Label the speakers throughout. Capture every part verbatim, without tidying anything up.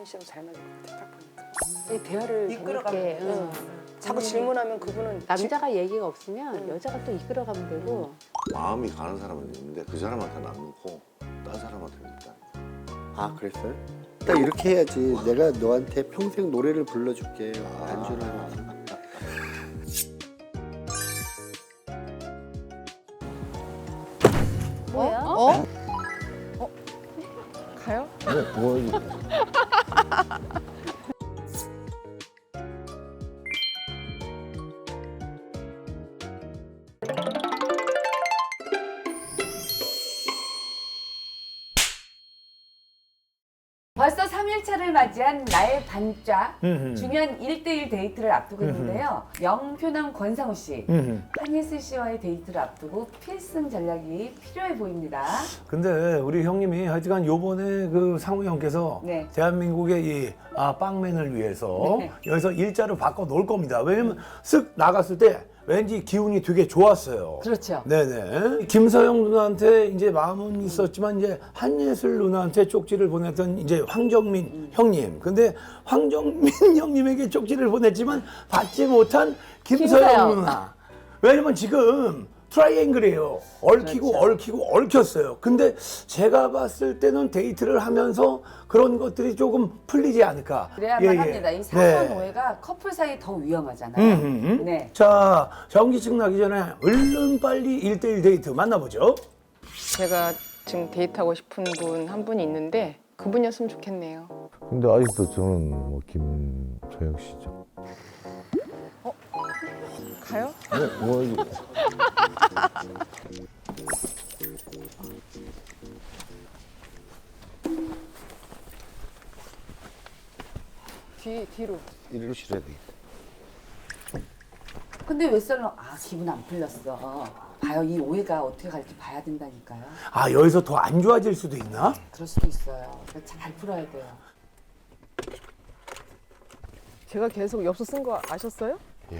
Speaker 1: 시험 잘 맞을 것 같아. 딱 보니까.
Speaker 2: 이 대화를
Speaker 3: 이끌어가면
Speaker 2: 재밌게,
Speaker 3: 되지.
Speaker 2: 응.
Speaker 1: 자꾸 질문하면 그분은
Speaker 2: 남자가 얘기가 없으면
Speaker 1: 응.
Speaker 2: 여자가 또 이끌어가면 되고.
Speaker 4: 마음이 가는 사람은 있는데 그 사람한테는 안 놓고 딴 사람한테는 있다.
Speaker 5: 아 그랬어요? 딱 이렇게 해야지. 내가 너한테 평생 노래를 불러줄게. 안주를 하면서.
Speaker 2: 뭐야?
Speaker 3: 어? 어? 가요?
Speaker 4: 뭐,
Speaker 6: 벌써 삼 일차를 맞이한 나의 반짝
Speaker 7: 음흠.
Speaker 6: 중요한 일 대일 데이트를 앞두고
Speaker 7: 음흠.
Speaker 6: 있는데요. 영표남 권상우 씨,
Speaker 7: 음흠.
Speaker 6: 한예슬 씨와의 데이트를 앞두고 필승 전략이 필요해 보입니다.
Speaker 7: 근데 우리 형님이 하여튼간 요번에 그 상우 형께서
Speaker 6: 네.
Speaker 7: 대한민국의 이 아, 빵맨을 위해서
Speaker 6: 네.
Speaker 7: 여기서 일자를 바꿔 놓을 겁니다. 왜냐면 쓱 나갔을 때 왠지 기운이 되게 좋았어요.
Speaker 6: 그렇죠.
Speaker 7: 네네. 김서영 누나한테 이제 마음은 있었지만 이제 한예슬 누나한테 쪽지를 보냈던 이제 황정민
Speaker 6: 음.
Speaker 7: 형님. 근데 황정민 형님에게 쪽지를 보냈지만 받지 못한 김서영,
Speaker 6: 김서영.
Speaker 7: 누나. 왜냐면 지금 트라이앵글이에요. 얽히고
Speaker 6: 그렇죠.
Speaker 7: 얽히고 얽혔어요. 근데 제가 봤을 때는 데이트를 하면서 그런 것들이 조금 풀리지 않을까.
Speaker 6: 그래야만
Speaker 7: 예, 예.
Speaker 6: 합니다. 이 사소한
Speaker 7: 네.
Speaker 6: 오해가 커플 사이 더 위험하잖아요.
Speaker 7: 음흠.
Speaker 6: 네.
Speaker 7: 자, 전기증 나기 전에 얼른 빨리 일대일 데이트 만나보죠.
Speaker 3: 제가 지금 데이트하고 싶은 분 한 분이 있는데 그분이었으면 좋겠네요.
Speaker 4: 근데 아직도 저는 뭐 김소영 씨죠.
Speaker 3: 가요?
Speaker 4: 네, 뭐
Speaker 3: 뒤, 뒤로.
Speaker 4: 이리로 실어야 돼.
Speaker 6: 근데 왜 썰렁? 아 기분 안 풀렸어. 봐요, 이 오해가 어떻게 갈지 봐야 된다니까요.
Speaker 7: 아, 여기서 더 안 좋아질 수도 있나?
Speaker 6: 그럴 수도 있어요. 그러니까 잘 풀어야 돼요.
Speaker 3: 제가 계속 엽서 쓴 거 아셨어요?
Speaker 4: 예.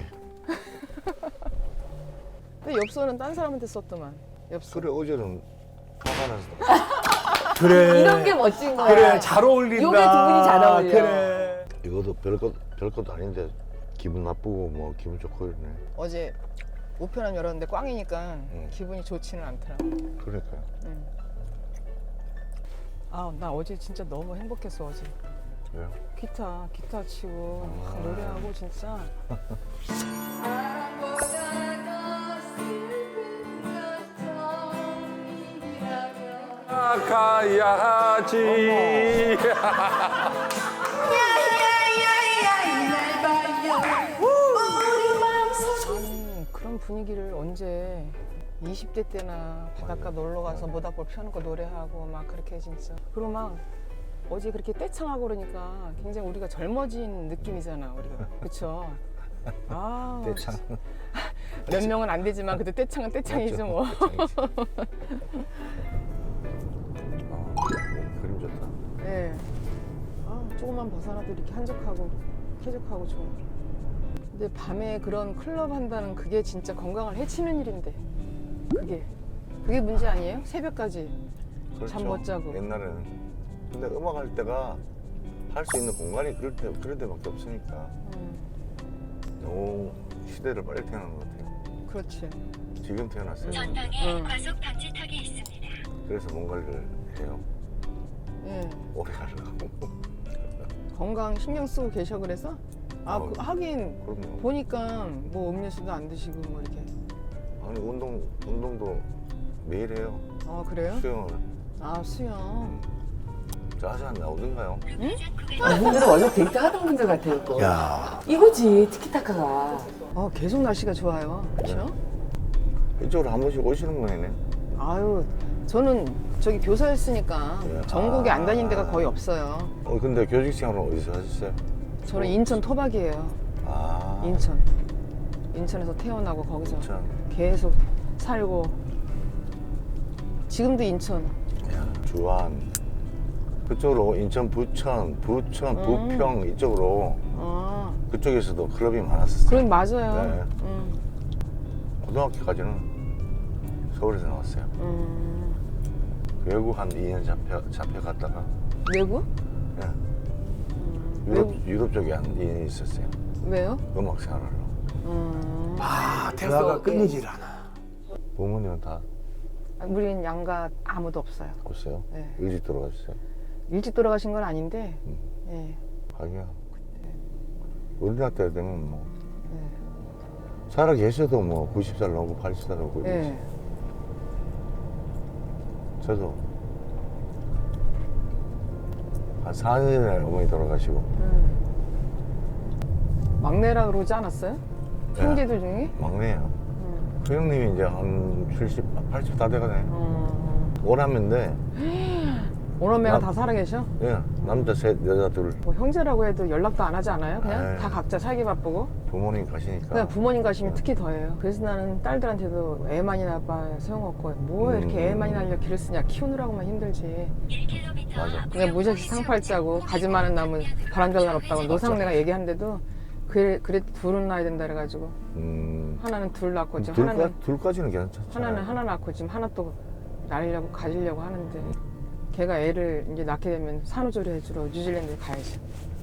Speaker 3: 근데 엽서는 딴 사람한테 썼더만. 엽서.
Speaker 4: 그래 어제는 화가 나서
Speaker 7: 그래.
Speaker 6: 이런 게 멋진 거야.
Speaker 7: 그래, 잘 어울린다.
Speaker 6: 요게 두 분이 잘 어울려.
Speaker 7: 그래.
Speaker 4: 이것도 별것 별것도 아닌데 기분 나쁘고 뭐 기분 좋고 이러네.
Speaker 3: 어제 우편함 열었는데 꽝이니까
Speaker 4: 응.
Speaker 3: 기분이 좋지는 않더라고.
Speaker 4: 그러니까요.
Speaker 3: 응. 아, 나 어제 진짜 너무 행복했어, 어제.
Speaker 4: 왜요?
Speaker 3: 기타, 기타 치고 막 노래하고 진짜.
Speaker 8: 가야지.
Speaker 3: 아니, 그런 분위기를 언제 이십 대 때나 바닷가 놀러 가서 모닥불 펴놓고 노래하고 막 그렇게 진짜. 그리고 막 어제 그렇게 떼창하고 그러니까 굉장히 우리가 젊어진 느낌이잖아, 우리가. 그쵸? 아,
Speaker 4: 대창.
Speaker 3: 몇 명은 안 되지만 그래도 떼창은 떼창이죠, 뭐.
Speaker 4: 아, 그림 좋다.
Speaker 3: 네. 아, 조금만 벗어나도 이렇게 한적하고 쾌적하고 좋은. 근데 밤에 그런 클럽 한다는 그게 진짜 건강을 해치는 일인데. 그게 그게 문제 아니에요? 새벽까지 잠 못 자고.
Speaker 4: 옛날에는. 근데 음악 할 때가 할 수 있는 공간이 그럴 때 그럴 때밖에 없으니까
Speaker 3: 음,
Speaker 4: 너무 시대를 빨리 태어난 것 같아요.
Speaker 3: 그렇지.
Speaker 4: 지금 태어났어요.
Speaker 3: 응.
Speaker 9: 과속 방지턱이 있습니다.
Speaker 4: 그래서 뭔가를 해요.
Speaker 3: 예.
Speaker 4: 오래 가려고.
Speaker 3: 건강 신경 쓰고 계셔 그래서? 아,
Speaker 4: 어,
Speaker 3: 그, 하긴
Speaker 4: 그럼요.
Speaker 3: 보니까 뭐 음료수도 안 드시고 뭐 이렇게.
Speaker 4: 아니 운동 운동도 매일 해요.
Speaker 3: 아, 그래요?
Speaker 4: 수영을.
Speaker 3: 아, 수영.
Speaker 4: 저 아직 안 나오던가요?
Speaker 6: 이분들은 원래 데이트 하던 분들 같아요. 또.
Speaker 7: 야.
Speaker 6: 이거지 티키타카가.
Speaker 3: 아, 계속 날씨가 좋아요. 그렇죠?
Speaker 4: 이쪽으로 한 번씩 오시는 거네.
Speaker 3: 아유, 저는 저기 교사였으니까
Speaker 4: 네.
Speaker 3: 전국에 안 다닌 데가
Speaker 4: 아.
Speaker 3: 거의 없어요.
Speaker 4: 어 근데 교직 생활은 어디서 하셨어요?
Speaker 3: 저는 인천 토박이에요.
Speaker 4: 아.
Speaker 3: 인천. 인천에서 태어나고 거기서
Speaker 4: 인천.
Speaker 3: 계속 살고. 지금도 인천.
Speaker 4: 야, 주안. 그쪽으로 인천 부천, 부천,
Speaker 3: 음.
Speaker 4: 부평 이쪽으로
Speaker 3: 아,
Speaker 4: 그쪽에서도 클럽이 많았었어요.
Speaker 3: 그럼 맞아요.
Speaker 4: 네.
Speaker 3: 음,
Speaker 4: 고등학교까지는 서울에서 나왔어요.
Speaker 3: 음.
Speaker 4: 외국 한 이 년 잡혀 잡혀갔다가
Speaker 3: 외국?
Speaker 4: 예. 유럽, 유럽 쪽에 한 이 년 있었어요.
Speaker 3: 왜요?
Speaker 4: 음악 생활하러.
Speaker 3: 음.
Speaker 7: 아 대화가
Speaker 3: 그래서,
Speaker 7: 끊이질 않아.
Speaker 4: 부모님은 다
Speaker 3: 우린 양가 아무도 없어요.
Speaker 4: 없어요?
Speaker 3: 네.
Speaker 4: 일찍 돌아가셨어요?
Speaker 3: 일찍 돌아가신 건 아닌데,
Speaker 4: 음.
Speaker 3: 예.
Speaker 4: 하기야. 우리나라 때 되면 뭐
Speaker 3: 네.
Speaker 4: 살아 계셔도 뭐 구십 살 넘고 팔십 살 넘고 이러지.
Speaker 3: 예.
Speaker 4: 저도 한 사 년 전에 어머니 돌아가시고
Speaker 3: 음. 막내라 그러지 않았어요?
Speaker 4: 네.
Speaker 3: 형제들 중에?
Speaker 4: 막내예요.
Speaker 3: 음.
Speaker 4: 그 형님이 이제 한 칠십, 팔십 다 돼가네.
Speaker 3: 음.
Speaker 4: 오남인데
Speaker 3: 오남매가
Speaker 4: 남-
Speaker 3: 다 살아계셔?
Speaker 4: 예, 남자 셋, 여자 둘.
Speaker 3: 뭐 형제라고 해도 연락도 안 하지 않아요? 그냥
Speaker 4: 에이.
Speaker 3: 다 각자 살기 바쁘고.
Speaker 4: 부모님 가시니까.
Speaker 3: 그냥 부모님 가시면 특히 더해요. 그래서 나는 딸들한테도 애 많이 낳아봐 소용없고 뭐
Speaker 4: 음.
Speaker 3: 이렇게 애 많이 낳으려 기를 쓰냐. 키우느라고만 힘들지.
Speaker 9: 일 킬로미터
Speaker 4: 맞아.
Speaker 9: 앞
Speaker 3: 그냥 무지하게 상팔자고 가지 많은 나무 바람잘 날 없다고 노상내가 얘기하는데도 그래, 그래 둘은 낳아야 된다 그래가지고
Speaker 4: 음,
Speaker 3: 하나는 둘 낳고 지금
Speaker 4: 둘까,
Speaker 3: 하나는
Speaker 4: 둘까지는 괜찮잖아요.
Speaker 3: 하나는 하나 낳고 지금 하나 또 낳으려고 가지려고 하는데 걔가 애를 이제 낳게 되면 산후조리 해주러 뉴질랜드 가야지.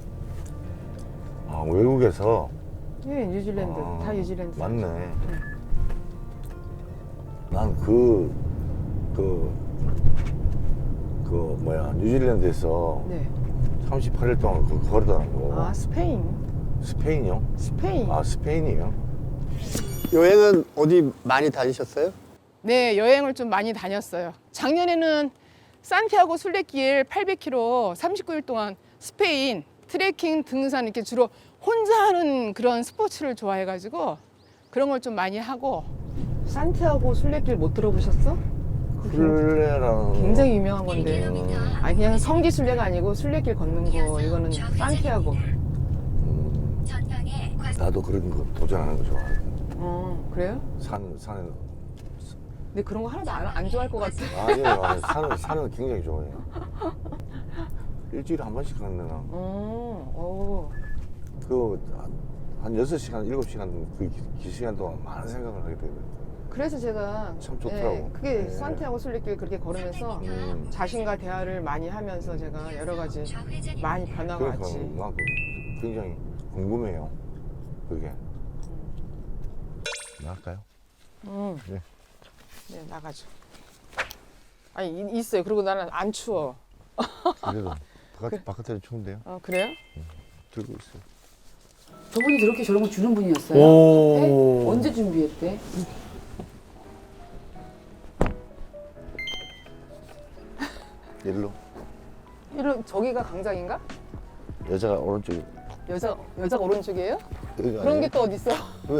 Speaker 4: 아, 외국에서.
Speaker 3: 예, 뉴질랜드
Speaker 4: 아,
Speaker 3: 다 뉴질랜드.
Speaker 4: 맞네. 난 그, 그, 그, 뭐야, 뉴질랜드에서
Speaker 3: 네.
Speaker 4: 삼십팔 일 동안 그 걸어다니고.
Speaker 3: 아 스페인.
Speaker 4: 스페인이요?
Speaker 3: 스페인.
Speaker 4: 아, 스페인이요?
Speaker 5: 여행은 어디 많이 다니셨어요?
Speaker 3: 네, 여행을 좀 많이 다녔어요. 작년에는 산티아고 순례길 팔백 킬로미터 삼십구 일 동안 스페인 트레킹, 등산 이렇게 주로 혼자 하는 그런 스포츠를 좋아해가지고 그런 걸 좀 많이 하고. 산티아고 순례길 못 들어보셨어?
Speaker 4: 플레라는.
Speaker 3: 굉장히 유명한 건데.
Speaker 4: 음,
Speaker 3: 아니 그냥 성지 순례가 아니고 순례길 걷는 거. 이거는 산티아고.
Speaker 4: 음,
Speaker 9: 전방에 과속
Speaker 4: 나도 그런 거 도전하는 거 좋아하거든.
Speaker 3: 어 그래요?
Speaker 4: 산, 산에.
Speaker 3: 근데 그런 거 하나도 안, 안 좋아할 것 같아.
Speaker 4: 아니에요. 아니, 산은, 산은 굉장히 좋아해요. 일주일에 한 번씩 가는 데나.
Speaker 3: 어, 어.
Speaker 4: 그, 한 여섯 시간, 일곱 시간 그 기- 기 시간 동안 많은 생각을 하게 되거든요.
Speaker 3: 그래서 제가
Speaker 4: 참 좋더라고.
Speaker 3: 예, 그게
Speaker 4: 네.
Speaker 3: 산티아고 순례길 그렇게 걸으면서
Speaker 4: 음.
Speaker 3: 자신과 대화를 많이 하면서 제가 여러 가지
Speaker 9: 좌회전입니다.
Speaker 3: 많이 변화가
Speaker 4: 그러니까
Speaker 3: 왔지.
Speaker 4: 난 그- 굉장히 궁금해요. 그게. 나갈까요?
Speaker 3: 음.
Speaker 4: 네.
Speaker 3: 네, 나가죠. 아니 이- 있어요. 그리고 나는 안 추워.
Speaker 4: 그래도 바깥, 바깥에는 추운데요?
Speaker 3: 어, 그래요?
Speaker 4: 들고 있어요.
Speaker 6: 저분이 저렇게 저런 거 주는 분이었어요?
Speaker 7: 오.
Speaker 6: 네? 언제 준비했대?
Speaker 4: 일로.
Speaker 3: 이런 저기가 강장인가?
Speaker 4: 여자가 오른쪽에.
Speaker 3: 여자 여자가 오른쪽이에요?
Speaker 4: 여기가
Speaker 3: 그런
Speaker 4: 아니에요?
Speaker 3: 게 또 어디 있어?
Speaker 4: 왜?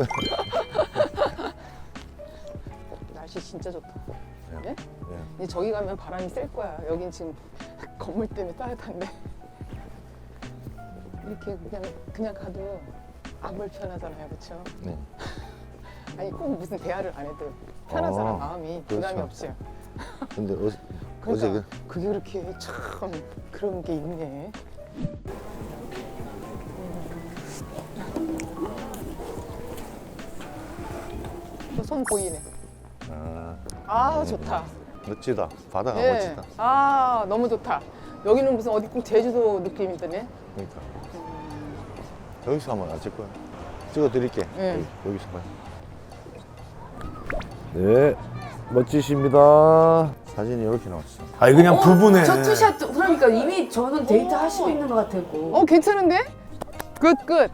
Speaker 3: 날씨 진짜 좋다.
Speaker 4: 네.
Speaker 3: 예?
Speaker 4: 네.
Speaker 3: 이제 저기 가면 바람이 셀 거야. 여긴 지금 건물 때문에 따뜻한데. 이렇게 그냥 그냥 가도 안 불편하잖아요, 그렇죠?
Speaker 4: 네.
Speaker 3: 아니 꼭 무슨 대화를 안 해도 편하잖아.
Speaker 4: 아,
Speaker 3: 마음이 부담이
Speaker 4: 그렇죠.
Speaker 3: 없어요.
Speaker 4: 근데 어,
Speaker 3: 그러니까
Speaker 4: 어제
Speaker 3: 그게 그렇게 참 그런 게 있네. 또 손 보이네.
Speaker 4: 그, 아,
Speaker 3: 아 좋다.
Speaker 4: 멋지다. 바다가
Speaker 3: 예.
Speaker 4: 멋지다.
Speaker 3: 아 너무 좋다. 여기는 무슨 어디 꼭 제주도 느낌이 드네.
Speaker 4: 그러니까. 여기서 한번 안 찍고요. 찍어드릴게.
Speaker 3: 네.
Speaker 4: 여기, 여기서 봐요. 네, 멋지십니다. 사진이 이렇게 나왔어.
Speaker 7: 아니 그냥 부부네.
Speaker 6: 저 투샷 그러니까 이미 저는 데이트 하시고 있는 것 같았고.
Speaker 3: 어 괜찮은데? 끝 끝.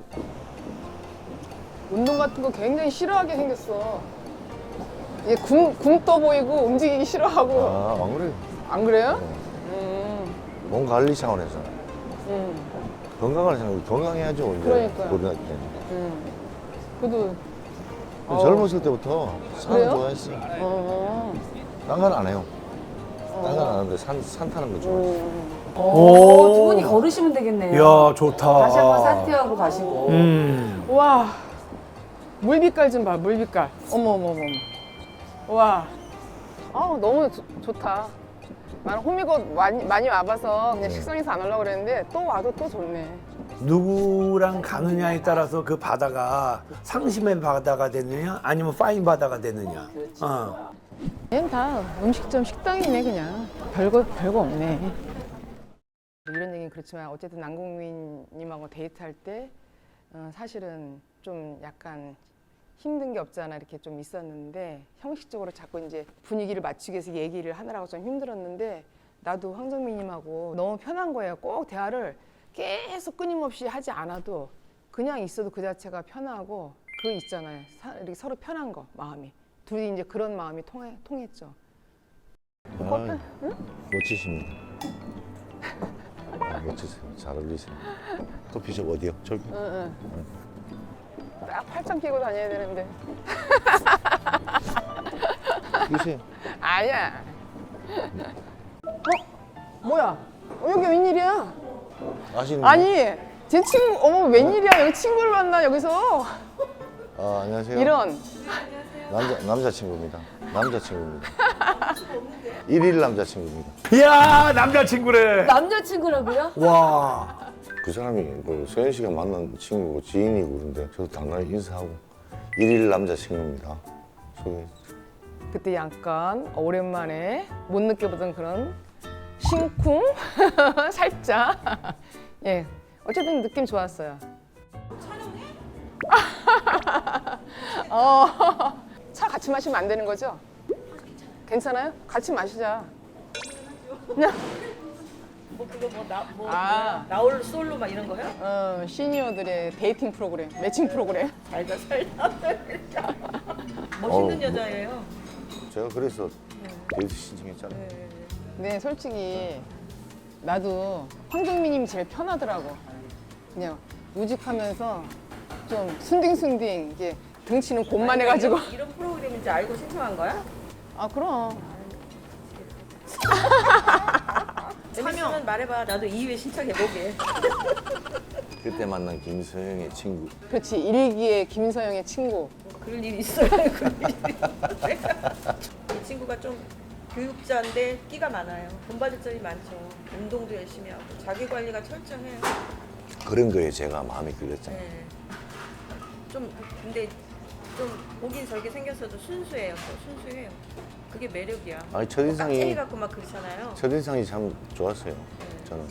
Speaker 3: 운동 같은 거 굉장히 싫어하게 생겼어. 얘 굶, 굶떠 보이고 움직이기 싫어하고.
Speaker 4: 아, 안 그래요?
Speaker 3: 안 그래요?
Speaker 4: 네.
Speaker 3: 음,
Speaker 4: 몸 관리 차원에서.
Speaker 3: 음,
Speaker 4: 건강을 생각해. 건강해야죠, 이제.
Speaker 3: 그러니까요.
Speaker 4: 고등학교 때.
Speaker 3: 음. 그래도 어.
Speaker 4: 젊었을 때부터 산을
Speaker 3: 그래요?
Speaker 4: 좋아했어.
Speaker 3: 어,
Speaker 4: 딴 건 안 해요.
Speaker 3: 어.
Speaker 4: 딴 건 안 하는데 산, 산 타는 거 좋아했어.
Speaker 3: 음.
Speaker 6: 오, 두 분이 걸으시면 되겠네요.
Speaker 7: 이야 좋다.
Speaker 6: 다시 한번 산티아고 가시고.
Speaker 7: 음.
Speaker 3: 와 물빛깔 좀 봐. 물빛깔. 어머 어머 어머. 와. 아 너무 조- 좋다. 나는 호미곶 많이 많이 와봐서 그냥
Speaker 4: 네.
Speaker 3: 식성에서 안 오려고 그랬는데 또 와도 또 좋네.
Speaker 7: 누구랑 가느냐에 따라서 그 바다가 상심의 바다가 되느냐 아니면 파인 바다가 되느냐. 어.
Speaker 3: 그냥 다 음식점 식당이네 그냥. 별거 별거 없네. 이런 얘기는 그렇지만 어쨌든 남궁민님하고 데이트할 때 어, 사실은 좀 약간 힘든 게 없잖아 이렇게 좀 있었는데 형식적으로 자꾸 이제 분위기를 맞추기 위해서 얘기를 하느라고 좀 힘들었는데 나도 황정민님하고 너무 편한 거예요. 꼭 대화를 계속 끊임없이 하지 않아도 그냥 있어도 그 자체가 편하고 그거 있잖아요. 사, 이렇게 서로 편한 거 마음이 둘이 이제 그런 마음이 통해, 통했죠.
Speaker 4: 아, 멋지십니다. 아, 멋지세요. 잘 어울리세요. 커피숍 어디요? 저기.
Speaker 3: 응, 응. 딱 팔짱 끼고 다녀야 되는데
Speaker 4: 끼세요.
Speaker 3: 아니야. 어? 뭐야? 어, 여기 웬일이야?
Speaker 4: 아시는
Speaker 3: 아니 제 친구 어머 웬일이야 여기 친구를 만나 여기서
Speaker 4: 아, 안녕하세요.
Speaker 3: 이런
Speaker 4: 남자 남자친구입니다. 남자친구입니다. 일일 남자친구입니다.
Speaker 7: 이야 남자친구래.
Speaker 6: 남자친구라고요?
Speaker 7: 와.
Speaker 4: 그 사람이 그 소연 씨가 만난 친구고 지인이고 그런데 저도 당연히 인사하고 일일 남자친구입니다. 소개.
Speaker 3: 그때 약간 오랜만에 못 느껴보던 그런 심쿵 살짝 예 어쨌든 느낌 좋았어요. 촬영해? 어차 같이 마시면 안 되는 거죠? 괜찮아요? 같이 마시자.
Speaker 1: 뭐 그거 뭐나뭐
Speaker 3: 아.
Speaker 1: 나올 솔로 막 이런 거요?
Speaker 3: 어 시니어들의 데이팅 프로그램 매칭 프로그램.
Speaker 1: 살다 살다. 멋있는
Speaker 4: 어우,
Speaker 1: 여자예요.
Speaker 4: 제가 그래서 데이트 신청했잖아요.
Speaker 3: 근데 솔직히 나도 황정민님이 제일 편하더라고. 그냥 우직하면서 좀 순딩순딩 이게 등치는 곤만해가지고.
Speaker 1: 이런, 이런 프로그램인지 알고 신청한 거야?
Speaker 3: 아 그럼.
Speaker 1: 재밌으면 말해봐. 나도 이 회 신청해보게.
Speaker 4: 그때 만난 김서영의 친구.
Speaker 3: 그렇지 일기의 김서영의 친구.
Speaker 1: 그럴 일이 있어요. 그럴 일이. 이 친구가 좀 교육자인데 끼가 많아요. 돈 받을 점이 많죠. 운동도 열심히 하고 자기 관리가 철저해요.
Speaker 4: 그런 거에 제가 마음이 끌렸잖아요.
Speaker 1: 네. 좀 근데 좀 보긴 저렇게 생겼어도 순수해요. 또 순수해요. 그게 매력이야.
Speaker 4: 아니 첫인상이
Speaker 1: 깍쟁이 같고 막 그렇잖아요.
Speaker 4: 첫인상이 참 좋았어요. 저는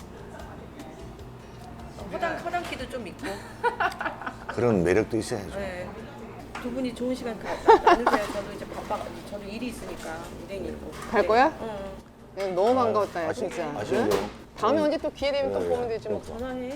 Speaker 1: 허당 허당기도 좀 있고.
Speaker 4: 그런 매력도 있어야죠.
Speaker 1: 네. 두 분이 좋은 시간 가, 나, 나누세요. 저도 이제 바빠가지고 저도 일이 있으니까 일행이 있고.
Speaker 3: 갈 거야?
Speaker 1: 응.
Speaker 3: 야, 너무 반가웠다 야,
Speaker 4: 아쉬-
Speaker 3: 진짜.
Speaker 4: 아쉬운데요?
Speaker 3: 응? 다음에 언제 또 기회 되면 또
Speaker 4: 네,
Speaker 3: 보면 되지 뭐.
Speaker 1: 전화해.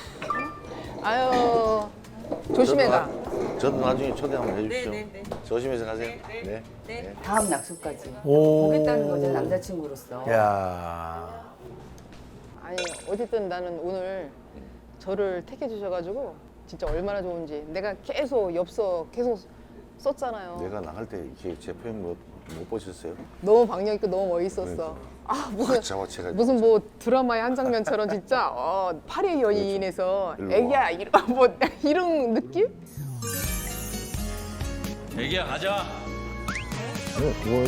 Speaker 3: 아유 조심해 가.
Speaker 4: 저도, 나, 저도 나중에 초대 한번 해주십시오.
Speaker 1: 네, 네, 네.
Speaker 4: 조심해서 가세요.
Speaker 1: 네,
Speaker 4: 네.
Speaker 1: 네.
Speaker 6: 다음 약속까지
Speaker 7: 오.
Speaker 6: 보겠다는 거죠 남자친구로서.
Speaker 7: 야.
Speaker 3: 아니 어쨌든 나는 오늘 저를 택해 주셔가지고 진짜 얼마나 좋은지 내가 계속 엽서 계속 썼잖아요.
Speaker 4: 내가 나갈 때 이렇게 제 표현 못, 못 보셨어요?
Speaker 3: 너무 박력 있고 너무 멋있었어.
Speaker 4: 그러니까.
Speaker 3: 아 무슨
Speaker 4: 확 잡아채가
Speaker 3: 무슨 뭐 드라마의 한 장면처럼 진짜 어, 파리의 연인에서
Speaker 4: 일로 와.
Speaker 3: 애기야 이런 뭐 이런 느낌?
Speaker 8: 애기야 가자.
Speaker 4: 어, 뭐,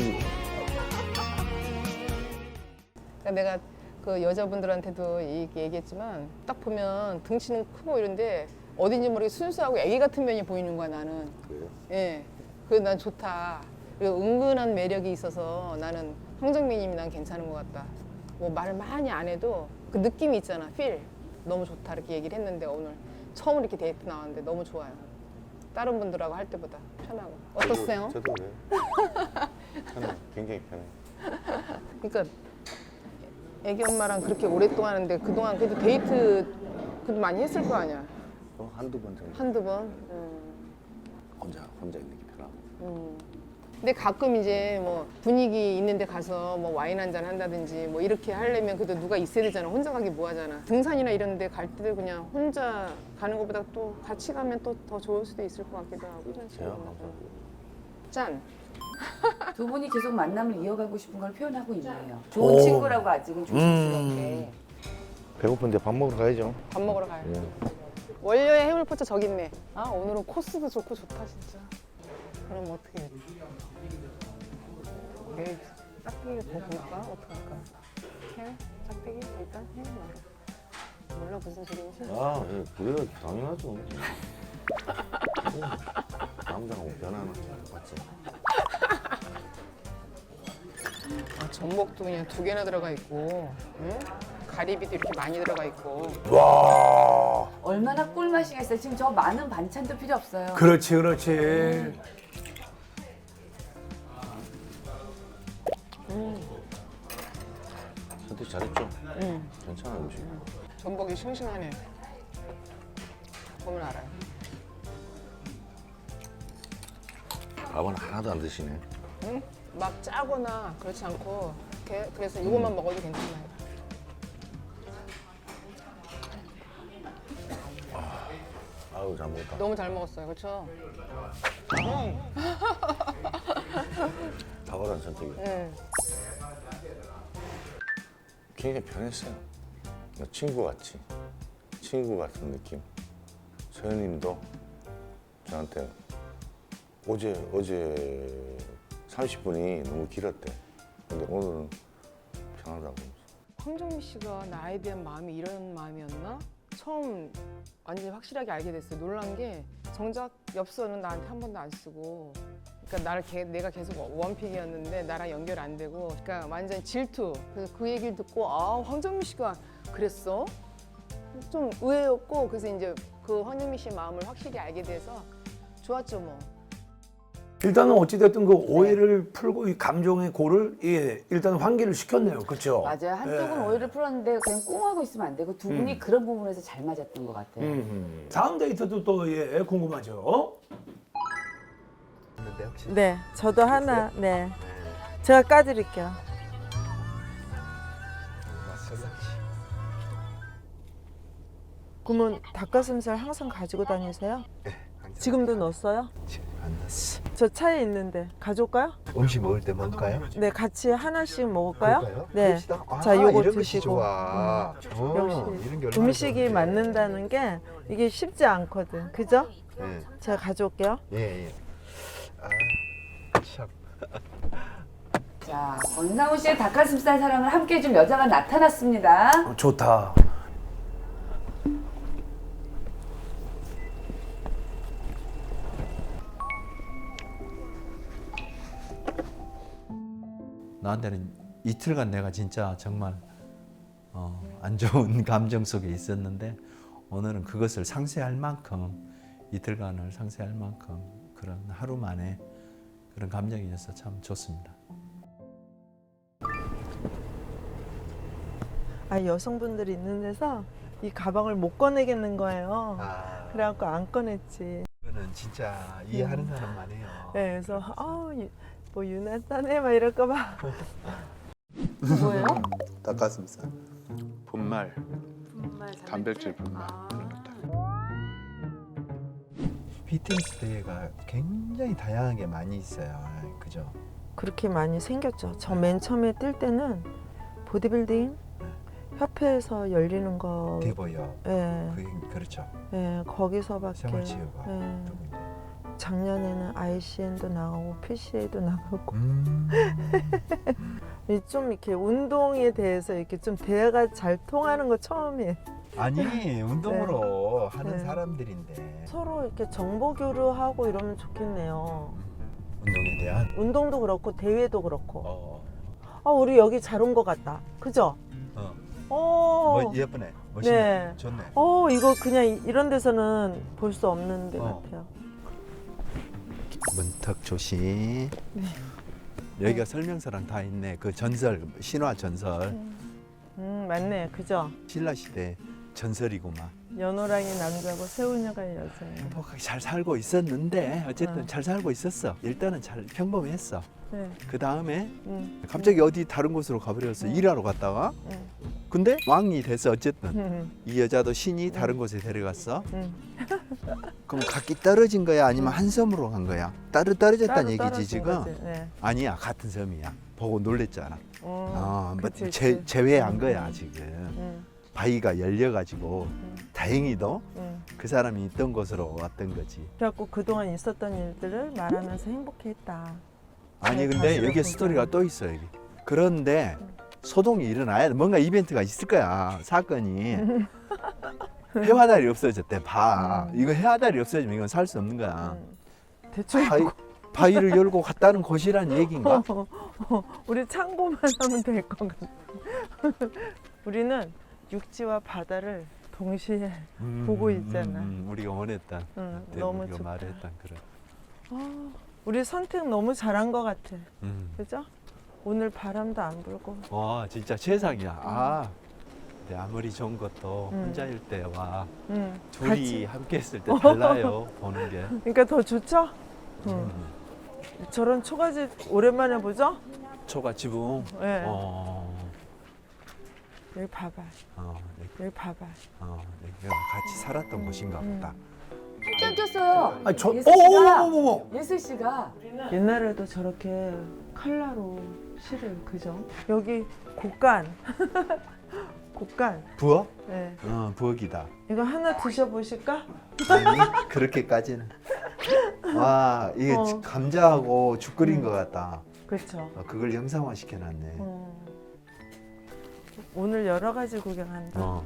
Speaker 3: 그러니까 내가 그 여자분들한테도 이렇게 얘기했지만 딱 보면 등치는 크고 이런데 어딘지 모르게 순수하고 애기 같은 면이 보이는 거야 나는.
Speaker 4: 그래요?
Speaker 3: 예, 그래서 난 좋다. 그리고 은근한 매력이 있어서 나는 황정민님이 난 괜찮은 것 같다. 뭐 말을 많이 안 해도 그 느낌이 있잖아, 필. 너무 좋다 이렇게 얘기를 했는데 오늘 처음 이렇게 데이트 나왔는데 너무 좋아요. 다른 분들하고 할 때보다 편하고. 어떠세요?
Speaker 4: 저도, 저도 그래요. 편해. 굉장히 편해.
Speaker 3: 그러니까 애기 엄마랑 그렇게 오랫동안 하는데 그동안 그래도 데이트 그래도 많이 했을 거 아니야.
Speaker 4: 어, 한두 번 정도.
Speaker 3: 한두 번. 음.
Speaker 4: 혼자, 혼자 있는 게 편하고.
Speaker 3: 음. 근데 가끔 이제 뭐 분위기 있는 데 가서 뭐 와인 한잔 한다든지 뭐 이렇게 하려면 그래도 누가 있어야 되잖아. 혼자 가기 뭐 하잖아. 등산이나 이런 데 갈 때도 그냥 혼자 가는 것보다 또 같이 가면 또 더 좋을 수도 있을 것 같기도 하고.
Speaker 4: 제가 감사합니다.
Speaker 3: 짠.
Speaker 6: 두 분이 계속 만남을 이어가고 싶은 걸 표현하고 있네요. 좋은
Speaker 7: 오.
Speaker 6: 친구라고 아직은 조심스럽게.
Speaker 4: 배고픈데 밥 먹으러 가야죠.
Speaker 3: 밥 먹으러 가요.
Speaker 4: 예.
Speaker 3: 원료의 해물포차 저기 있네. 아 오늘은 코스도 좋고 좋다 진짜. 그럼 어떻게 해야 돼? 내일 짝대기 더 볼까? 어떡할까? 해? 짝대기? 일단 해? 말아. 몰라 무슨 소리인지.
Speaker 4: 아, 예, 그래야 당연하죠. 예. 남자하고 변하나 맞지?
Speaker 3: 아 전복도 그냥 두 개나 들어가 있고 응? 가리비도 이렇게 많이 들어가 있고.
Speaker 7: 와,
Speaker 6: 얼마나 꿀맛이겠어요. 지금 저 많은 반찬도 필요 없어요.
Speaker 7: 그렇지, 그렇지.
Speaker 4: 선택 잘했죠?
Speaker 3: 음.
Speaker 4: 괜찮아 음식.
Speaker 3: 전복이 싱싱하네. 보면 알아요.
Speaker 4: 밥은 하나도 안 드시네.
Speaker 3: 응? 막 짜거나 그렇지 않고 이렇게 그래서 이것만 먹어도 괜찮아요.
Speaker 4: 아유 잘 먹었다.
Speaker 3: 너무 잘 먹었어요, 그렇죠?
Speaker 4: 탁월한 선택이.
Speaker 3: 응.
Speaker 4: 굉장히 편했어요. 그냥 친구 같이, 친구 같은 느낌. 서현님도 저한테 어제 어제 삼십 분이 너무 길었대. 근데 오늘은 편하다고.
Speaker 3: 황정민 씨가 나에 대한 마음이 이런 마음이었나? 처음 완전히 확실하게 알게 됐어요. 놀란 게 정작 엽서는 나한테 한 번도 안 쓰고, 그러니까 나를 개, 내가 계속 원픽이었는데 나랑 연결 안 되고, 그러니까 완전 질투. 그래서 그 얘기를 듣고 아 황정민 씨가 그랬어? 좀 의외였고, 그래서 이제 그 황정민 씨의 마음을 확실히 알게 돼서 좋았죠 뭐.
Speaker 7: 일단은 어찌됐든 그 오해를 풀고 이 감정의 고를 예, 일단 환기를 시켰네요. 그렇죠?
Speaker 6: 맞아요. 한쪽은
Speaker 7: 예.
Speaker 6: 오해를 풀었는데 그냥 꽁하고 있으면 안 되고 두 분이
Speaker 7: 음.
Speaker 6: 그런 부분에서 잘 맞았던 것 같아요.
Speaker 7: 음. 다음 데이트도 또 예, 궁금하죠.
Speaker 1: 네, 저도 하나. 네, 제가 까드릴게요. 그러면 닭가슴살 항상 가지고 다니세요?
Speaker 8: 네, 항상.
Speaker 1: 지금도 넣었어요?
Speaker 8: 지금 안 났어.
Speaker 1: 저 차에 있는데 가져올까요?
Speaker 8: 음식 먹을 때 먹을까요?
Speaker 1: 네, 같이 하나씩 먹을까요?
Speaker 8: 그럴까요?
Speaker 1: 네.
Speaker 8: 그럽시다. 아,
Speaker 1: 자, 요거
Speaker 8: 이런 것이
Speaker 1: 드시고.
Speaker 8: 좋아. 어,
Speaker 1: 역시
Speaker 8: 이런 게 얼마나
Speaker 1: 음식이
Speaker 8: 좋은데.
Speaker 1: 맞는다는 게 이게 쉽지 않거든. 그죠?
Speaker 8: 예,
Speaker 1: 제가 가져올게요.
Speaker 8: 예, 예. 아, 참.
Speaker 6: 자, 권상우 씨의 닭가슴살 사랑을 함께 해준 여자가 나타났습니다.
Speaker 7: 어, 좋다.
Speaker 10: 나한테는 이틀간 내가 진짜 정말 어, 안 좋은 감정 속에 있었는데 오늘은 그것을 상쇄할 만큼 이틀간을 상쇄할 만큼 그런 하루 만에 그런 감정이어서 참 좋습니다.
Speaker 1: 아, 여성분들이 있는 데서 이 가방을 못 꺼내겠는 거예요.
Speaker 8: 아,
Speaker 1: 그래갖고 안 꺼냈지.
Speaker 8: 이거는 진짜 이해하는 사람만 해요.
Speaker 1: 네, 그래서 아, 유- 뭐 유난하네 막 이럴까봐.
Speaker 6: 뭐예요?
Speaker 5: 닭가슴살.
Speaker 8: 분말, 단백질 분말. 피트니스 대회가 굉장히 다양하게 많이 있어요. 그죠?
Speaker 1: 그렇게 많이 생겼죠. 저 맨 처음에 뛸 때는 보디빌딩 협회에서 열리는 거,
Speaker 8: 대보여.
Speaker 1: 예,
Speaker 8: 그 그렇죠.
Speaker 1: 예, 거기서밖에.
Speaker 8: 생활치유가.
Speaker 1: 예.
Speaker 8: 또 있네.
Speaker 1: 작년에는 아이씨엔도 나가고 피씨에이도 나가고
Speaker 8: 음.
Speaker 1: 이 좀 이렇게 운동에 대해서 이렇게 좀 대화가 잘 통하는 거 처음이에요.
Speaker 8: 아니 운동으로 하는
Speaker 1: 네.
Speaker 8: 사람들인데
Speaker 1: 서로 이렇게 정보 교류하고 이러면 좋겠네요.
Speaker 8: 운동에 대한
Speaker 1: 운동도 그렇고 대회도 그렇고.
Speaker 8: 어,
Speaker 1: 아, 우리 여기 잘 온 것 같다. 그죠?
Speaker 8: 어.
Speaker 1: 어.
Speaker 8: 뭐 예쁘네, 멋있네,
Speaker 1: 네.
Speaker 8: 좋네.
Speaker 1: 어, 이거 그냥 이런 데서는 볼 수 없는 데
Speaker 8: 어.
Speaker 1: 같아요.
Speaker 10: 문턱 조심. 여기가 설명서랑 다 있네. 그 전설, 신화 전설,
Speaker 1: 음, 맞네. 그죠?
Speaker 10: 신라 시대 전설이구만.
Speaker 1: 연호랑이 남자고 세우녀가 여자예요.
Speaker 10: 행복하게 잘 살고 있었는데 어쨌든
Speaker 1: 어.
Speaker 10: 잘 살고 있었어. 일단은 잘 평범했어.
Speaker 1: 네.
Speaker 10: 그 다음에
Speaker 1: 음.
Speaker 10: 갑자기 어디 다른 곳으로 가버렸어. 일하러 갔다가.
Speaker 1: 음.
Speaker 10: 근데 왕이 됐어. 어쨌든
Speaker 1: 음.
Speaker 10: 이 여자도 신이 다른 곳에 데려갔어.
Speaker 1: 음.
Speaker 10: 그럼 각기 떨어진 거야? 아니면 한 섬으로 간 거야? 따로 떨어졌다는
Speaker 1: 따로
Speaker 10: 얘기지
Speaker 1: 떨어진
Speaker 10: 지금?
Speaker 1: 거지. 네.
Speaker 10: 아니야, 같은 섬이야. 보고 놀랬잖아.
Speaker 1: 어,
Speaker 10: 어, 뭐
Speaker 1: 그치,
Speaker 10: 제,
Speaker 1: 그치.
Speaker 10: 제외한
Speaker 1: 음,
Speaker 10: 거야
Speaker 1: 음.
Speaker 10: 지금.
Speaker 1: 음.
Speaker 10: 바위가 열려가지고
Speaker 1: 음.
Speaker 10: 다행히도
Speaker 1: 음.
Speaker 10: 그 사람이 있던 곳으로 왔던 거지.
Speaker 1: 그래갖고 그동안 있었던 일들을 말하면서 행복했다.
Speaker 10: 아니
Speaker 1: 네,
Speaker 10: 근데
Speaker 1: 다시
Speaker 10: 여기
Speaker 1: 보자.
Speaker 10: 스토리가 또 있어 여기. 그런데 소동이 일어나야 돼. 뭔가 이벤트가 있을 거야. 사건이. 해화달이 없어졌대. 봐. 이거 해화달이 없어지면 이건 살 수 없는 거야.
Speaker 1: 음. 대충
Speaker 10: 바위, 바위를 열고 갔다는 곳이란 얘기인가?
Speaker 1: 우리 참고만 하면 될 것 같아. 우리는
Speaker 3: 육지와 바다를 동시에
Speaker 10: 음,
Speaker 3: 보고 있잖아.
Speaker 10: 음, 음, 우리가 원했던,
Speaker 3: 응,
Speaker 10: 그때
Speaker 3: 너무
Speaker 10: 우리가
Speaker 3: 좋다.
Speaker 10: 말했던 그런.
Speaker 3: 아, 우리 선택 너무 잘한 것 같아.
Speaker 10: 음.
Speaker 3: 그죠? 오늘 바람도 안 불고.
Speaker 10: 와 진짜 최상이야. 아, 근데 아무리 좋은 것도
Speaker 3: 음.
Speaker 10: 혼자일 때와
Speaker 3: 응.
Speaker 10: 둘이
Speaker 3: 같이.
Speaker 10: 함께 했을 때 달라요. 보는 게.
Speaker 3: 그러니까 더 좋죠? 응.
Speaker 10: 음.
Speaker 3: 저런 초가집 오랜만에 보죠?
Speaker 10: 초가 지붕.
Speaker 3: 네.
Speaker 10: 어,
Speaker 3: 여기 봐봐.
Speaker 10: 어, 여기,
Speaker 3: 여기 봐봐.
Speaker 10: 어, 여기가 같이 살았던 곳인가
Speaker 3: 음.
Speaker 10: 보다.
Speaker 6: 짱 꼈어요.
Speaker 7: 아, 저,
Speaker 6: 예슬 씨가
Speaker 7: 어머머머머.
Speaker 6: 예슬 씨가
Speaker 3: 옛날에도 저렇게 칼라로 실을 그죠? 여기 곡간. 곡간.
Speaker 10: 부엌?
Speaker 3: 네.
Speaker 10: 어, 부엌이다.
Speaker 3: 이거 하나 드셔보실까?
Speaker 10: 아니 그렇게까지는. 와 이게
Speaker 3: 어.
Speaker 10: 감자하고 죽 끓인 것 같다.
Speaker 3: 그렇죠.
Speaker 10: 어, 그걸 영상화 시켜놨네.
Speaker 3: 어. 오늘 여러 가지 구경한다.
Speaker 10: 어.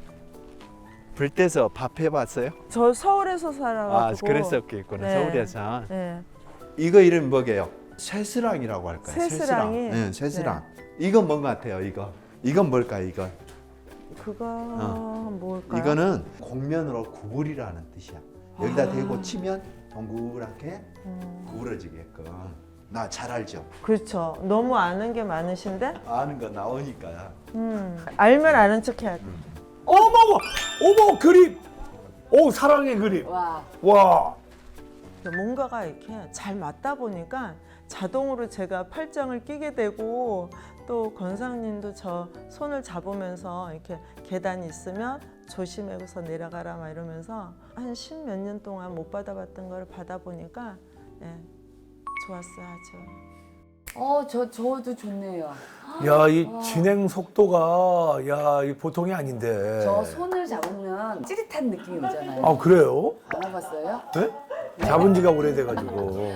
Speaker 10: 불때서 밥 해봤어요?
Speaker 3: 저 서울에서
Speaker 10: 아
Speaker 3: 살아가지고.
Speaker 10: 그랬었겠구나.
Speaker 3: 네.
Speaker 10: 서울에서.
Speaker 3: 네.
Speaker 10: 이거 이름 뭐게요? 쇠스랑이라고 할까요?
Speaker 3: 쇠스랑이?
Speaker 10: 네, 쇠스랑. 이건 뭔 것 같아요? 이거. 이건 뭘까? 이건.
Speaker 3: 그거
Speaker 10: 어.
Speaker 3: 뭘까요?
Speaker 10: 이거는 곡면으로 구부리라는 뜻이야. 여기다
Speaker 3: 아.
Speaker 10: 대고 치면 동그랗게
Speaker 3: 음.
Speaker 10: 구부러지게끔. 나 잘 알죠?
Speaker 3: 그렇죠. 너무 아는 게 많으신데?
Speaker 10: 아는 거 나오니까.
Speaker 3: 음. 알면 아는 척 해야 돼.
Speaker 7: 어머머, 어머 그림. 오 사랑의 그림.
Speaker 6: 와
Speaker 7: 와.
Speaker 3: 뭔가가 이렇게 잘 맞다 보니까 자동으로 제가 팔짱을 끼게 되고 또 권상님도 저 손을 잡으면서 이렇게 계단이 있으면 조심해서 내려가라 막 이러면서 한 십 몇 년 동안 못 받아봤던 걸 받아보니까 예, 좋았어요 아주.
Speaker 6: 어, 저, 저도 좋네요.
Speaker 7: 야, 이 진행 속도가 야, 이 보통이 아닌데.
Speaker 6: 저 손을 잡으면 찌릿한 느낌이 오잖아요.
Speaker 7: 아, 그래요?
Speaker 6: 안 와봤어요?
Speaker 7: 네? 잡은 지가 오래돼가지고.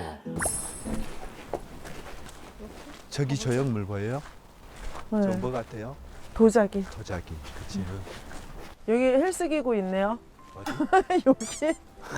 Speaker 10: 저기 조형물 보여요?
Speaker 3: 네.
Speaker 10: 저 뭐 같아요?
Speaker 3: 도자기.
Speaker 10: 도자기. 그치?
Speaker 3: 여기 헬스기구 있네요.
Speaker 10: 어디?
Speaker 3: 여기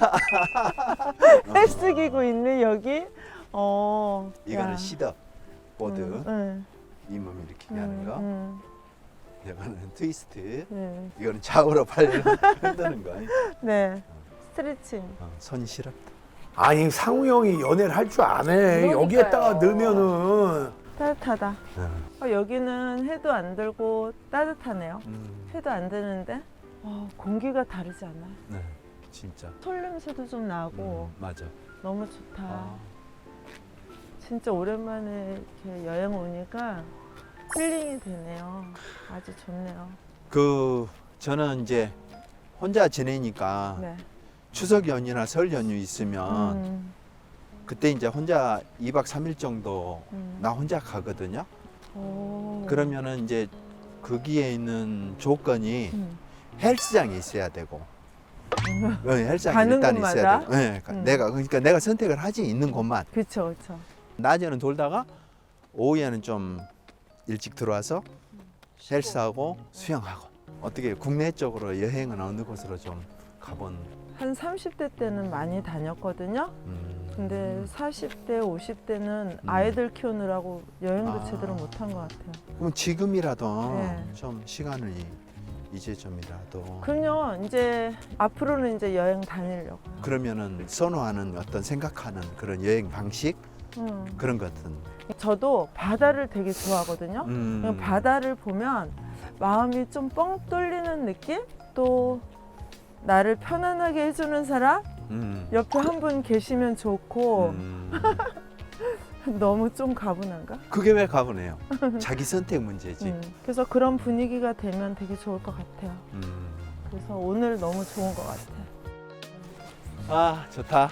Speaker 3: 헬스기구 있네 여기. 어.
Speaker 10: 이거는
Speaker 3: 야.
Speaker 10: 시더 보드.
Speaker 3: 음, 음,
Speaker 10: 이 몸 이렇게 하는 거.
Speaker 3: 음,
Speaker 10: 이거는 트위스트.
Speaker 3: 음,
Speaker 10: 이거는 좌우로 발을 흔드는 거.
Speaker 3: 네. 스트레칭.
Speaker 10: 어, 손이 시렵다.
Speaker 7: 아니 상우 형이 연애를 할 줄 아네.
Speaker 6: 그러니까요.
Speaker 7: 여기에다가 넣으면은
Speaker 3: 따뜻하다. 어, 여기는 해도 안 들고 따뜻하네요.
Speaker 10: 음,
Speaker 3: 해도 안 되는데 어, 공기가 다르지 않아?
Speaker 10: 네, 진짜.
Speaker 3: 솔 냄새도 좀 나고
Speaker 10: 음, 맞아.
Speaker 3: 너무 좋다.
Speaker 10: 아,
Speaker 3: 진짜 오랜만에 이렇게 여행 오니까 힐링이 되네요. 아주 좋네요.
Speaker 10: 그 저는 이제 혼자 지내니까
Speaker 3: 네.
Speaker 10: 추석 연휴나 설 연휴 있으면
Speaker 3: 음,
Speaker 10: 그때 이제 혼자 이 박 삼 일 정도
Speaker 3: 음.
Speaker 10: 나 혼자 가거든요.
Speaker 3: 오.
Speaker 10: 그러면은 이제 거기에 있는 조건이
Speaker 3: 음.
Speaker 10: 헬스장에 있어야 되고. 어, 헬스장에
Speaker 3: 가는
Speaker 10: 일단
Speaker 3: 곳마다?
Speaker 10: 있어야 되고. 네,
Speaker 3: 음.
Speaker 10: 내가 그러니까 내가 선택을 하지 있는 곳만.
Speaker 3: 그렇죠, 그렇죠.
Speaker 10: 낮에는 돌다가 오후에는 좀 일찍 들어와서 헬스하고 수영하고. 어떻게 국내 쪽으로 여행은 어느 곳으로 좀 가본?
Speaker 3: 한 삼십 대 때는 많이 다녔거든요.
Speaker 10: 음.
Speaker 3: 근데 사십 대, 오십 대는 아이들 키우느라고 여행도
Speaker 10: 아.
Speaker 3: 제대로 못한 것 같아요.
Speaker 10: 그럼 지금이라도
Speaker 3: 네.
Speaker 10: 좀 시간을 이제 좀이라도
Speaker 3: 그럼요. 이제 앞으로는 이제 여행 다니려고.
Speaker 10: 그러면은 선호하는 어떤 생각하는 그런 여행 방식
Speaker 3: 음.
Speaker 10: 그런 것은
Speaker 3: 저도 바다를 되게 좋아하거든요.
Speaker 10: 음.
Speaker 3: 그냥 바다를 보면 마음이 좀 뻥 뚫리는 느낌? 또 나를 편안하게 해주는 사람?
Speaker 10: 음.
Speaker 3: 옆에 한 분 계시면 좋고
Speaker 10: 음.
Speaker 3: 너무 좀 가분한가?
Speaker 10: 그게 왜 가보네요. 자기 선택 문제지.
Speaker 3: 음. 그래서 그런 분위기가 되면 되게 좋을 것 같아요.
Speaker 10: 음.
Speaker 3: 그래서 오늘 너무 좋은 것 같아요.
Speaker 10: 아 좋다.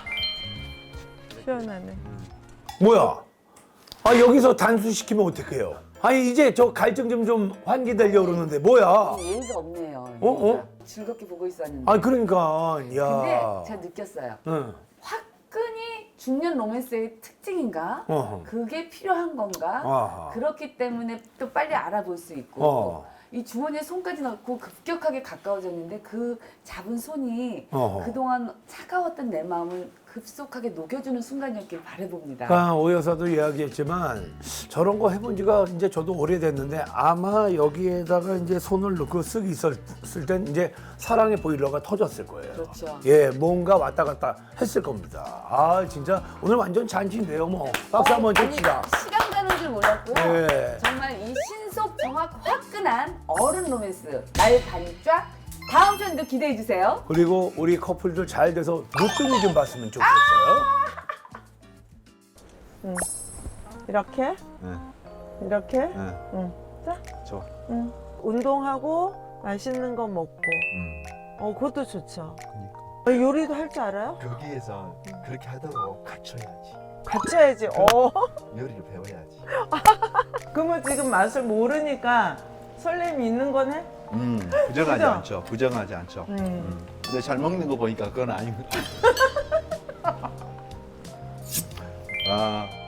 Speaker 3: 시원하네.
Speaker 7: 뭐야? 아 여기서 단수시키면 어떡해요? 아니 이제 저 갈증 좀 좀 환기되려고 그러는데 뭐야?
Speaker 6: 예의가 없네요.
Speaker 7: 어, 어?
Speaker 6: 즐겁게 보고 있었는데.
Speaker 7: 아 그러니까
Speaker 6: 근데
Speaker 7: 야.
Speaker 6: 제가 느꼈어요.
Speaker 7: 응.
Speaker 6: 화끈이 중년 로맨스의 특징인가?
Speaker 7: 어허.
Speaker 6: 그게 필요한 건가?
Speaker 7: 아하.
Speaker 6: 그렇기 때문에 또 빨리 알아볼 수 있고
Speaker 7: 어.
Speaker 6: 이 주머니에 손까지 넣고 급격하게 가까워졌는데 그 잡은 손이
Speaker 7: 어허.
Speaker 6: 그동안 차가웠던 내 마음을 급속하게 녹여주는 순간이었길 바라봅니다.
Speaker 7: 그러니까 오 여사도 이야기했지만 저런 거 해본 지가 이제 저도 오래됐는데 아마 여기에다가 이제 손을 넣고 쓰기 있었을 땐 이제 사랑의 보일러가 터졌을 거예요.
Speaker 6: 그렇죠.
Speaker 7: 예, 뭔가 왔다 갔다 했을 겁니다. 아, 진짜 오늘 완전 잔치인데요, 뭐. 박수 한번 칩시다.
Speaker 6: 시간 가는 줄 몰랐고요.
Speaker 7: 예.
Speaker 6: 정말 이 신속 정확 화끈한 어른 로맨스 날 반짝 다음 편도 기대해 주세요.
Speaker 7: 그리고 우리 커플들 잘 돼서 무등이 좀 봤으면 좋겠어요.
Speaker 11: 이렇게
Speaker 10: 네.
Speaker 11: 이렇게
Speaker 10: 네.
Speaker 11: 응. 자,
Speaker 10: 좋아.
Speaker 11: 응. 운동하고 맛있는 거 먹고
Speaker 10: 음.
Speaker 11: 어 그것도 좋죠.
Speaker 10: 그러니까.
Speaker 11: 어, 요리도 할 줄 알아요?
Speaker 8: 거기에서 그렇게 하도록 갖춰야지.
Speaker 11: 같이해야지. 어.
Speaker 8: 요리를 배워야지.
Speaker 11: 그러면 지금 맛을 모르니까 설렘이 있는 거네?
Speaker 10: 음, 부정하지
Speaker 11: 그죠?
Speaker 10: 않죠. 부정하지 않죠.
Speaker 11: 음.
Speaker 10: 음. 근데 잘 먹는 거 보니까 그건 아닙니다. 아,